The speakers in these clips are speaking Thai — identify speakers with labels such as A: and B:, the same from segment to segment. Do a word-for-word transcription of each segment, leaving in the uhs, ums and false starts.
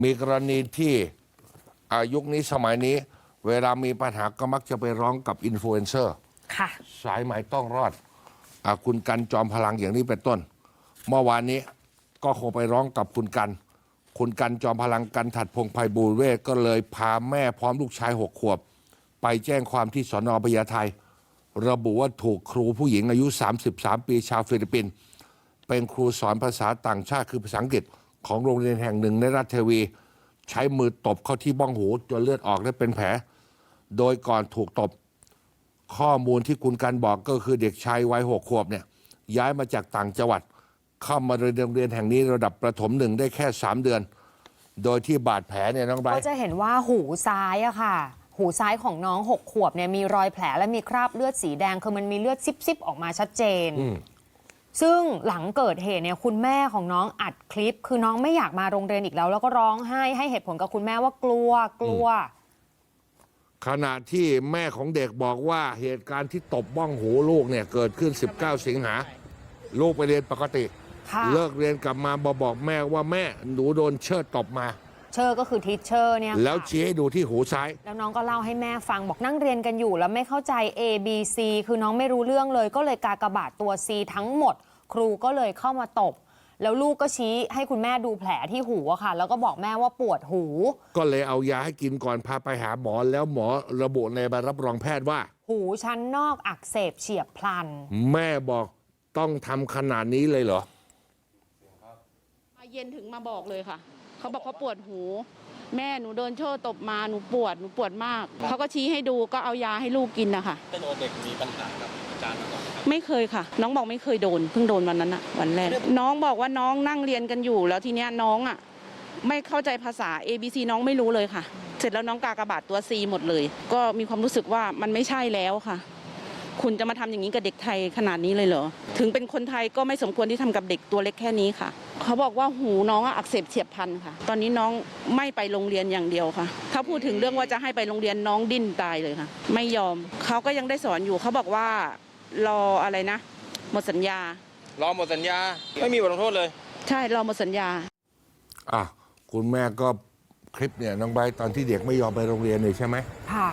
A: มีกรณีที่อายุคนี้สมัยนี้เวลามีปัญหาก็มักจะไปร้องกับอินฟลูเอนเซอร์สายไหมต้องรอดอคุณกันจอมพลังอย่างนี้เป็นต้นเมื่อวานนี้ก็คงไปร้องกับคุณกันคุณกันจอมพลังกันถัดพงษ์ไพบูลย์เวชก็เลยพาแม่พร้อมลูกชายหกขวบไปแจ้งความที่สน.พญาไทระบุว่าถูกครูผู้หญิงอายุสามสิบสามปีชาวฟิลิปปินส์เป็นครูสอนภาษาต่างชาติคือภาษาอังกฤษของโรงเรียนแห่งหนึ่งในรัฐเทวีใช้มือตบเข้าที่บ้องหูจนเลือดออกและเป็นแผลโดยก่อนถูกตบข้อมูลที่คุณกันบอกก็คือเด็กชายวัยหกขวบเนี่ยย้ายมาจากต่างจังหวัดเข้ามาเรียนโรงเรียนแห่งนี้ระดับประถมหนึ่งได้แค่สามเดือนโดยที่บาดแผลเนี่ยน้องไบรท์
B: ก็จะเห็นว่าหูซ้ายอะค่ะหูซ้ายของน้องหกขวบเนี่ยมีรอยแผลและมีคราบเลือดสีแดงคือมันมีเลือดซิบๆออกมาชัดเจนซึ่งหลังเกิดเหตุเนี่ยคุณแม่ของน้องอัดคลิปคือน้องไม่อยากมาโรงเรียนอีกแล้วแล้วก็ร้องไห้ให้เหตุผลกับคุณแม่ว่ากลัวกลัว
A: ขณะที่แม่ของเด็กบอกว่าเหตุการณ์ที่ตบบ้องหูลูกเนี่ยเกิดขึ้นสิบเก้าสิงหาลูกไปเรียนปกติเลิกเรียนกลับมาบอกบอกแม่ว่าแม่หนูโดนเชิดตบมา
B: เชอร์ก็คือทิชเชอร์เนี่ย
A: แล้วชี้ให้ดูที่หูซ้าย
B: แล้วน้องก็เล่าให้แม่ฟังบอกนั่งเรียนกันอยู่แล้วไม่เข้าใจ A B C คือน้องไม่รู้เรื่องเลยก็เลยกากบาทตัว C ทั้งหมดครูก็เลยเข้ามาตบแล้วลูกก็ชี้ให้คุณแม่ดูแผลที่หูอะค่ะแล้วก็บอกแม่ว่าปวดหู
A: ก็เลยเอายาให้กินก่อนพาไปหาหมอแล้วหมอระบุในใบรับรองแพทย์ว่า
B: หูชั้นนอกอักเสบเฉียบพลัน
A: แม่บอกต้องทำขนาดนี้เลยเหรอ
C: มาเย็นถึงมาบอกเลยค่ะเขาบอกเขาปวดหูแม่หนูโดนโชว์ตบมาหนูปวดหนูปวดมากเขาก็ชี้ให้ดูก็เอายาให้ลูกกินนะคะ
D: เป็นโอเด็กมีปัญหากับอาจารย์มาก่อน
C: ไม่เคยค่ะน้องบอกไม่เคยโดนเพิ่งโดนวันนั้นอะวันแรกน้องบอกว่าน้องนั่งเรียนกันอยู่แล้วทีเนี้ยน้องอะไม่เข้าใจภาษา A B C น้องไม่รู้เลยค่ะเสร็จแล้วน้องกากบาทตัว C หมดเลยก็มีความรู้สึกว่ามันไม่ใช่แล้วค่ะคุณจะมาทำอย่างนี้กับเด็กไทยขนาดนี้เลยเหรอถึงเป็นคนไทยก็ไม่สมควรที่ทำกับเด็กตัวเล็กแค่นี้ค่ะเขาบอกว่าหูน้องอักเสบเฉียบพลันค่ะตอนนี้น้องไม่ไปโรงเรียนอย่างเดียวค่ะถ้าพูดถึงเรื่องว่าจะให้ไปโรงเรียนน้องดิ้นตายเลยค่ะไม่ยอมเขาก็ยังได้สอนอยู่เขาบอกว่ารออะไรนะหมดสัญญาร
D: อหมดสัญญาไม่มีบทลงโทษเลย
C: ใช่รอหมดสัญญา
A: อ่ะคุณแม่ก็คลิปเนี่ยน้องใบตอนที่เด็กไม่ยอมไปโรงเรียนเลยใช่ไหม
B: ค่ะ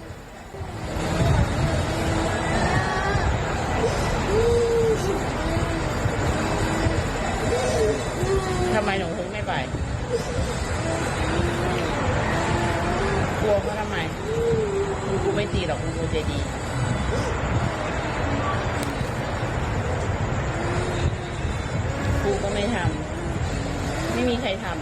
E: ทำไมหนูถึงไม่ไปกลัวเขาทำไมคุณครูไม่ตีหรอกคุณครูใจดีครูก็ไม่ทำไม่มีใครทำ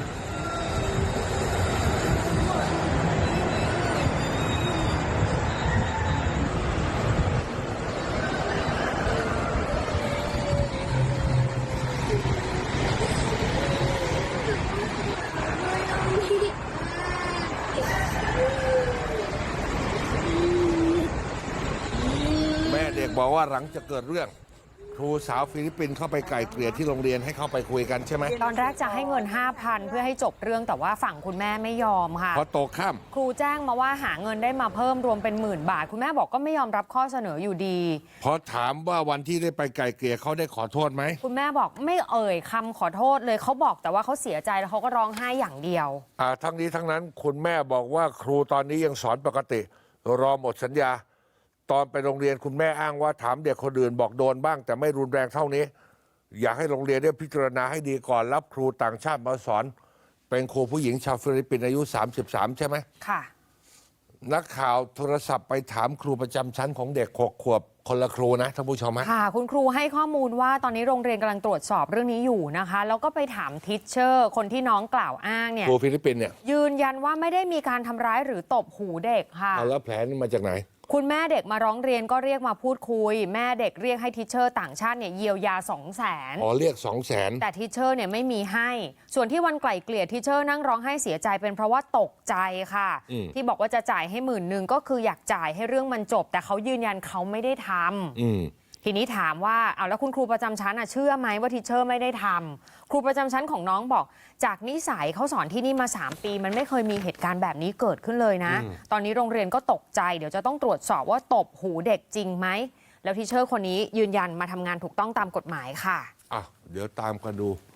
A: เด็กบอกว่าหลังจะเกิดเรื่องครูสาวฟิลิปปินส์เข้าไปไกล่เกลี่ยที่โรงเรียนให้เข้าไปคุยกันใช่ไหม
B: ตอนแรกจะให้เงิน ห้าพัน เพื่อให้จบเรื่องแต่ว่าฝั่งคุณแม่ไม่ยอมค่ะ
A: พอโตข้าม
B: ครูแจ้งมาว่าหาเงินได้มาเพิ่มรวมเป็นหมื่นบาทคุณแม่บอกก็ไม่ยอมรับข้อเสนออยู่ดี
A: พอถามว่าวันที่ได้ไปไกล่เกลี่ยเขาได้ขอโทษไหม
B: คุณแม่บอกไม่เอ่ยคำขอโทษเลยเขาบอกแต่ว่าเขาเสียใจแล้วเขาก็ร้องไห้อย่างเดียว
A: อ่าทั้งนี้ทั้งนั้นคุณแม่บอกว่าครูตอนนี้ยังสอนปกติรอหมดสัญญาตอนไปโรงเรียนคุณแม่อ้างว่าถามเด็กคนอื่นบอกโดนบ้างแต่ไม่รุนแรงเท่านี้อยากให้โรงเรียนได้พิจารณาให้ดีก่อนรับครูต่างชาติมาสอนเป็นครูผู้หญิงชาวฟิลิปปินส์อายุสามสิบสามใช่ไหม
B: ค่ะ
A: นักข่าวโทรศัพท์ไปถามครูประจำชั้นของเด็กหกขวบคนละครูนะท่านผู้ชม
B: ค่ะคุณครูให้ข้อมูลว่าตอนนี้โรงเรียนกำลังตรวจสอบเรื่องนี้อยู่นะคะแล้วก็ไปถามทิชเชอร์คนที่น้องกล่าวอ้างเนี่ย
A: ครูฟิลิปปินส์เนี่ย
B: ยืนยันว่าไม่ได้มีการทำร้ายหรือตบหูเด็กค่ะ
A: แล้วแผลนี่มาจากไหน
B: คุณแม่เด็กมาร้องเรียนก็เรียกมาพูดคุยแม่เด็กเรียกให้ทิชเชอร์ต่างชาติเนี่ยเยียวยาสองแสน
A: อ๋อเรียกสองแสน
B: แต่ทิชเชอร์เนี่ยไม่มีให้ส่วนที่วันไกล่เกลี่ยทิชเชอร์นั่งร้องไห้เสียใจเป็นเพราะว่าตกใจค่ะที่บอกว่าจะจ่ายให้หมื่นหนึ่งก็คืออยากจ่ายให้เรื่องมันจบแต่เขายืนยันเขาไม่ได้ทำทีนี้ถามว่าเอาแล้วคุณครูประจำชั้นเชื่อไหมว่าทิชเชอร์ไม่ได้ทำครูประจำชั้นของน้องบอกจากนิสัยเขาสอนที่นี่มาสามปีมันไม่เคยมีเหตุการณ์แบบนี้เกิดขึ้นเลยนะตอนนี้โรงเรียนก็ตกใจเดี๋ยวจะต้องตรวจสอบว่าตบหูเด็กจริงไหมแล้วทิชเชอร์คนนี้ยืนยันมาทำงานถูกต้องตามกฎหมายค่ะ
A: อ่ะเดี๋ยวตามกันดู